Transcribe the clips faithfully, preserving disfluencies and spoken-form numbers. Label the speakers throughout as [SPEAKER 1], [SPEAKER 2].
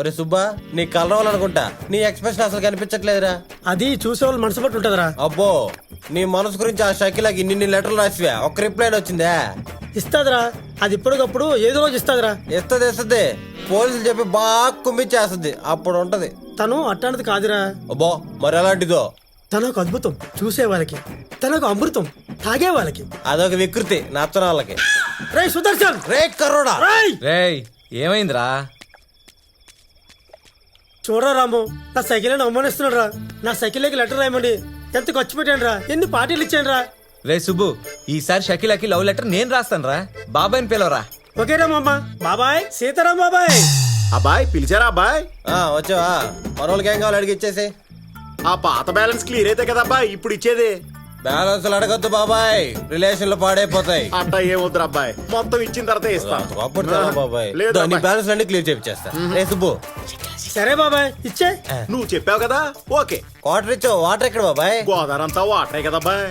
[SPEAKER 1] ఒరే సుబ్బా నీ కలర్ అనుకుంటా నీ ఎక్స్ప్రెషన్ అసలు కనిపించట్లేదురా.
[SPEAKER 2] అది చూసే వాళ్ళు మనసు పట్టి ఉంటుందిరా.
[SPEAKER 1] అబ్బో నీ మనసు గురించి ఆ షకిలాకి ఇన్ని లెటర్లు రాసివా ఒక్క రిప్లై వచ్చిందా?
[SPEAKER 2] ఇస్తాదిరా, అది ఇప్పటికప్పుడు ఏదో రోజు ఇస్తాదిరా.
[SPEAKER 1] ఇస్తుంది ఇస్తుంది పోలీసులు చెప్పి బాగా కుమ్మిచ్చేస్తుంది అప్పుడు ఉంటది.
[SPEAKER 2] తను అట్టాంటిది కాదురా.
[SPEAKER 1] అబ్బో మరి ఎలాంటిదో?
[SPEAKER 2] తనొక అద్భుతం చూసే వాళ్ళకి, తనొక అమృతం తాగే వాళ్ళకి.
[SPEAKER 1] అదొక వికృతి నచ్చని వాళ్ళకి.
[SPEAKER 2] రే సుదర్శన్,
[SPEAKER 1] రే కర్రోడా,
[SPEAKER 2] రేయ్
[SPEAKER 3] రేయ్ ఏమైందిరా?
[SPEAKER 2] చూడరా రాము, నా సైకిల్ అని అవమానిస్తున్నాడు రా. నా సైకిల్కి లెటర్ రాయమండి ఎంత ఖర్చు పెట్టాను రా, ఎన్ని పార్టీలు ఇచ్చాను రా.
[SPEAKER 3] రే సుబ్బు, ఈసారి షకీలాకి లవ్ లెటర్ నేను రాస్తాను రా. బాబాయ్ని పిలవరా.
[SPEAKER 2] ఓకేరా మామ. బాబాయ్ సీతారాం బాబాయ్.
[SPEAKER 4] అబ్బాయ్ పిలిచారా అబ్బాయ్?
[SPEAKER 1] ఆ వచ్చావా? మరోళ్ళకి ఏం కావాలి అడిగి ఇచ్చేసి.
[SPEAKER 4] ఆ పాత బ్యాలెన్స్ క్లియర్ అయితే కదా అబ్బాయి ఇప్పుడు ఇచ్చేది.
[SPEAKER 1] బ్యాలెన్స్ అడగద్దు బాబాయ్, రిలేషన్లు పాడైపోతాయి.
[SPEAKER 4] అట్టా ఏమొద్దురా అబ్బాయి, మొత్తం ఇచ్చిన తర్వాత ఇస్తా.
[SPEAKER 1] అప్పుడు బాబాయ్
[SPEAKER 4] లేదు
[SPEAKER 1] నీ
[SPEAKER 4] అబ్బాయి.
[SPEAKER 1] బ్యాలెన్స్ అన్ని క్లియర్ చేపిచ్చేస్తా. రే సుబ్బు
[SPEAKER 2] సరే బాబాయ్ ఇచ్చే.
[SPEAKER 4] నువ్వు చెప్పావు కదా ఓకే.
[SPEAKER 1] వాటర్ ఇచ్చావు. వాటర్ ఎక్కడ బాబాయ్?
[SPEAKER 4] గోదావరి అంతా వాటరే కదా అబ్బాయి.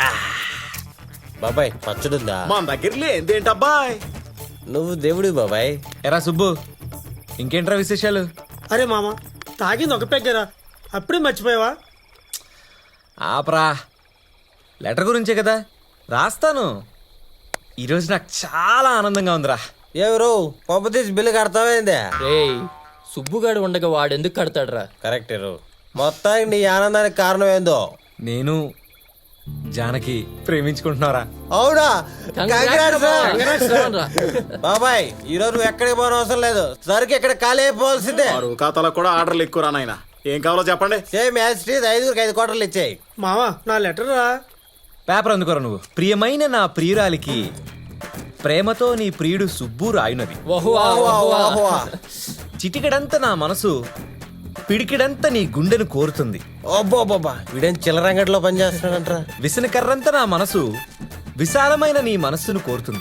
[SPEAKER 1] బాబాయ్ పచ్చడుందా?
[SPEAKER 4] మన దగ్గర లేదేంటబ్బాయ్?
[SPEAKER 1] నువ్వు దేవుడి బాబాయ్.
[SPEAKER 3] ఎరా సుబ్బు, ఇంకేంట్రా విశేషాలు?
[SPEAKER 2] అరే మామ, తాగింది ఒక పెగ్గరా, అప్పుడే మర్చిపోయావా?
[SPEAKER 3] ఆపరా, లెటర్ గురించే కదా రాస్తాను. ఈరోజు నాకు చాలా ఆనందంగా ఉందిరా.
[SPEAKER 1] ఎవరు పంప తీసి బిల్లు కడతావేందే?
[SPEAKER 5] రేయ్ సుబ్బుగాడు ఉండగా వాడెందుకు కడతాడ్రా?
[SPEAKER 1] కరెక్ట్. మొత్తానికి నీ ఆనందానికి కారణం ఏందో?
[SPEAKER 3] నేను జానకి ప్రేమించుకుంటున్నారా?
[SPEAKER 1] అవునా?
[SPEAKER 5] Congrats రా. Congrats రా రా.
[SPEAKER 1] బాబాయ్ ఈ రోజు నువ్వు ఎక్కడికి పోవడం అవసరం లేదు, సరికి ఎక్కడ ఖాళీ అయిపోవాల్సిందే.
[SPEAKER 4] ఆరు ఖాతాలకు కూడా ఆర్డర్లు ఎక్కువ నాయన. ఏం కావాలో చెప్పండి.
[SPEAKER 1] సేమ్ యాజ్ ఇట్ ఈజ్ ఐదుగురికి ఐదు కోటర్లు ఇచ్చాయి.
[SPEAKER 2] మామ నా లెటర్ రా.
[SPEAKER 3] పేపర్ అందుకోరా నువ్వు. ప్రియమైన నా ప్రియురాలికి ప్రేమతో నీ ప్రియుడు సుబ్బు రాయునది.
[SPEAKER 5] వహువా,
[SPEAKER 1] వాహ్వా,
[SPEAKER 5] వహువా.
[SPEAKER 1] వాహ్వా.
[SPEAKER 3] చిటికెడంత నా మనసు పిడికిడంత నీ గుండెను కోరుతుంది.
[SPEAKER 1] అబ్బో బాబా వీడేం చిల్లరంగట్లో పనిచేస్తున్నాడంటరా.
[SPEAKER 3] విసనకర్రంత నా మనసు విశాలమైన నీ మనస్సును కోరుతుంది.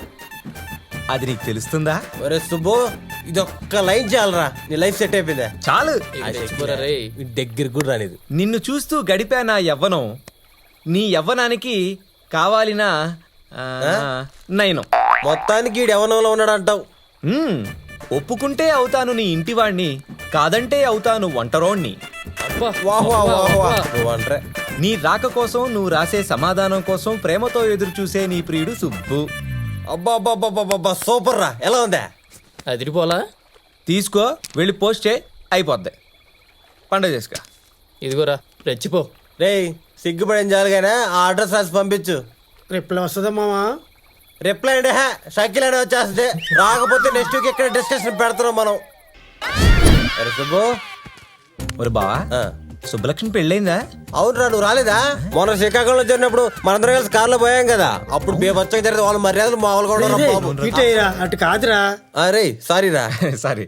[SPEAKER 3] అది నీకు తెలుస్తుందా?
[SPEAKER 1] ఒరే సుబ్బు ఇది ఒక్క లైన్ చాలరా, నీ లైఫ్ సెట్ అయిపోయిందా?
[SPEAKER 3] చాలు.
[SPEAKER 5] ఇది తెచ్చుకోరా రేయ్.
[SPEAKER 1] దగ్గర కూడా రానిది.
[SPEAKER 3] నిన్ను చూస్తూ గడిపా నా యవ్వనం, నీ యవ్వనానికి కావాలిన ఆ, నయనం.
[SPEAKER 1] మొత్తానికి వీడు యవనంలో ఉన్నాడు అంటావు.
[SPEAKER 3] మ్మ్. ఒప్పుకుంటే అవుతాను నీ ఇంటివాణ్ణి, కాదంటే అవుతాను వంటరోణ్ణి.
[SPEAKER 5] అబ్బా,
[SPEAKER 1] వాహ్వా,
[SPEAKER 5] అబ్బా,
[SPEAKER 1] వాహ్వా.
[SPEAKER 5] అబ్బా.
[SPEAKER 1] నువ్వు అంటరే.
[SPEAKER 3] నీ రాక కోసం నువ్వు రాసే సమాధానం కోసం ప్రేమతో ఎదురు చూసే నీ ప్రియుడు సుబ్బు.
[SPEAKER 1] అబ్బా అబ్బా అబ్బా అబ్బా సూపర్ రా. ఎలా ఉందా?
[SPEAKER 5] అదిరిపోలా.
[SPEAKER 3] తీసుకో, వెళ్ళి పోస్ట్ చేయి, అయిపోద్ది. పండుగ చేసుకో.
[SPEAKER 5] ఇదిగోరా రెచ్చిపో.
[SPEAKER 1] రేయ్ సిగ్గుపడేం చాలుగానే ఆ అడ్రస్ రాసి పంపించు.
[SPEAKER 2] రిప్లై వస్తుందా మామ?
[SPEAKER 1] రిప్లై అంటే హే షకిల్ అనే వచ్చేస్తే, రాకపోతే నెక్స్ట్ వీక్ ఎక్కడ డిస్కషన్ పెడతాం మనం. అరే సుబ్బు.
[SPEAKER 3] ఒరే బావా,
[SPEAKER 1] ఆ.
[SPEAKER 3] సుబ్బలక్ష్మి పెళ్ళైందా?
[SPEAKER 1] అవునురా నువ్వు రాలేదా? మొన్న శ్రీకాకుళంలో జరిగినప్పుడు మనందరం కలిసి కార్లో పోయాం కదా, అప్పుడు బేబచ్చగా జరిగితే వాళ్ళ మర్యాదలు మామూలుగా ఉండరు
[SPEAKER 2] రేయ్,
[SPEAKER 1] బాబు.
[SPEAKER 2] ఇటేరా, అటు కాదురా.
[SPEAKER 1] అరే సారీ రా.
[SPEAKER 3] సారీ.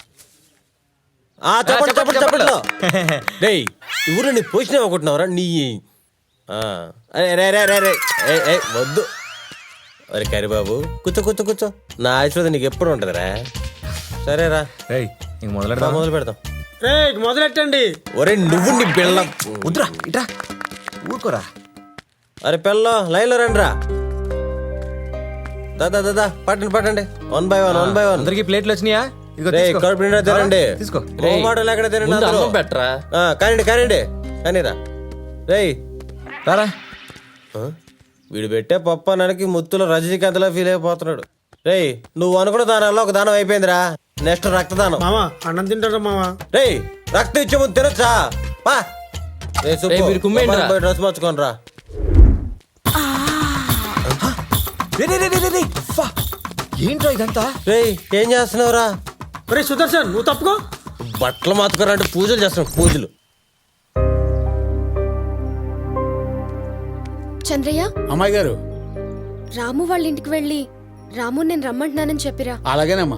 [SPEAKER 1] ఆ చెప్పండి చెప్పండి
[SPEAKER 3] చెప్పండి,
[SPEAKER 1] చెప్పండి. రేయ్ ఈ ఊర్లో నీ పొజిషన్ ఏమనుకుంటున్నావురా నీ? ఆ, అరే రే రే రే రే ఏ ఏ వద్దు. అరే కరిబాబు కూర్చో కూర్చో కూర్చో. నా ఆశీర్వాదం నీకు ఎప్పుడు ఉంటదిరా. సరేరా
[SPEAKER 3] రేయ్ ఇంక
[SPEAKER 1] రా,
[SPEAKER 3] మొదలెడదాం.
[SPEAKER 1] మొదలు పెడతాం.
[SPEAKER 2] రే మొదలెట్టండి.
[SPEAKER 1] ఒరే నువ్వు నీ పిల్ల.
[SPEAKER 3] వద్దురా, ఇట్రా, ఊరుకోరా.
[SPEAKER 1] అరే పిల్ల లైన్లో రండి రా. దాదా దాదా పట్టండి పట్టండి. One by one one by one.
[SPEAKER 3] అందరికి ప్లేట్లు వచ్చినాయా? ఇదిగో
[SPEAKER 1] రే
[SPEAKER 3] తీసుకో.
[SPEAKER 1] కడుపు నిండా తినండి.
[SPEAKER 3] తీసుకో.
[SPEAKER 1] ఓ మాటలు ఎక్కడ తినండి
[SPEAKER 5] ముందు
[SPEAKER 1] అందరూ.
[SPEAKER 5] అన్నం పెట్టరా.
[SPEAKER 1] ఆ, కానివ్వండి కానివ్వండి కానీరా. రేయ్
[SPEAKER 3] రారా.
[SPEAKER 1] ఆ? వీడు పెట్టే పప్పు అన్నానికి ముత్తులో రజనీకాంత్లా ఫీల్ అయిపోతున్నాడు. రేయ్ నువ్వు అనుకున్న దానాల్లో ఒక దానం అయిపోయిందిరా. నెక్స్ట్ రక్తదానం.
[SPEAKER 2] మామ అన్నం తింటారా మామ?
[SPEAKER 1] రేయ్ రక్తం ఇచ్చే ముందు తినొచ్చా? పా. రేయ్ సుబ్బు,
[SPEAKER 5] రేయ్, మీరు కుమ్మేయండి రా.
[SPEAKER 1] పోయి డ్రెస్ మార్చుకోని రా.
[SPEAKER 3] రే, రే, రే, రే, రే, రే. ఫా. ఏంట్రా ఇదంతా?
[SPEAKER 1] రేయ్ ఏం చేస్తున్నావురా?
[SPEAKER 2] రే సుదర్శన్ నువ్వు తప్పుకో.
[SPEAKER 1] బట్టలు మాత్తుకోరా అంటే పూజలు చేస్తున్నావు పూజలు.
[SPEAKER 6] చంద్రయ్య,
[SPEAKER 7] అమ్మాయి గారు.
[SPEAKER 6] రాము వాళ్ళ ఇంటికి వెళ్ళి రాము నేను రమ్మంటున్నానని చెప్పిరా.
[SPEAKER 7] అలాగేనమ్మా.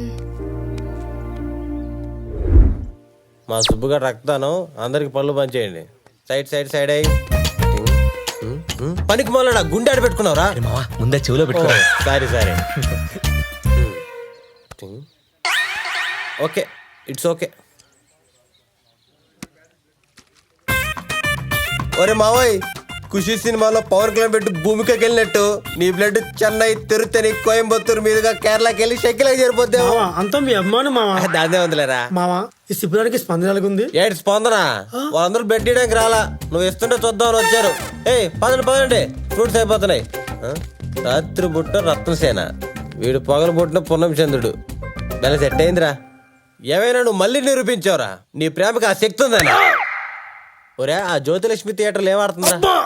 [SPEAKER 1] మా సుబ్బుగా రక్తానం అందరికి పళ్ళు పంచేయండి. సైడ్ సైడ్ సైడ్ అయ్యి. పనికి మొదలడా గుండె ఆడ పెట్టుకున్నావురా?
[SPEAKER 3] అరే మావా, ముందే చెవులో పెట్టుకో.
[SPEAKER 1] Sorry sorry. Okay it's okay. ఒరే మావోయ్ ఖుషి సినిమాలో పవర్ క్లైమ్ పెట్టి భూమికకి వెళ్ళినట్టు నీ బ్లడ్ చెన్నై తిరుత్తని కోయంబత్తూరు మీదుగా కేరళకి వెళ్ళి షెక్కిలకి చేరిపోద్దాం.
[SPEAKER 2] మావా అంతా మీ అభిమానం మావా.
[SPEAKER 1] దాన్నే ఉందిలేరా.
[SPEAKER 2] మావా ఈ శిబిరానికి స్పందన ఎలాగుంది?
[SPEAKER 1] ఏడు స్పందన వాళ్ళందరూ బెడ్ ఇయడానికి రాలా, నువ్వు ఇస్తుంటే చూద్దామని వచ్చారు. ఏయ్ పదండి పదండి, ఫ్రూట్స్ అయిపోతున్నాయి. ఆ? రాత్రి బుట్ట రత్నసేన, వీడు పగలు పుట్టిన పున్నం చంద్రుడు. బెల సెట్ అయిందిరా. ఏమైనా నువ్వు మళ్ళీ నిరూపించావురా నీ ప్రేమకి ఆ శక్తి ఉందని. ఒరే ఆ జ్యోతిలక్ష్మి థియేటర్లు ఏమాడుతుందా?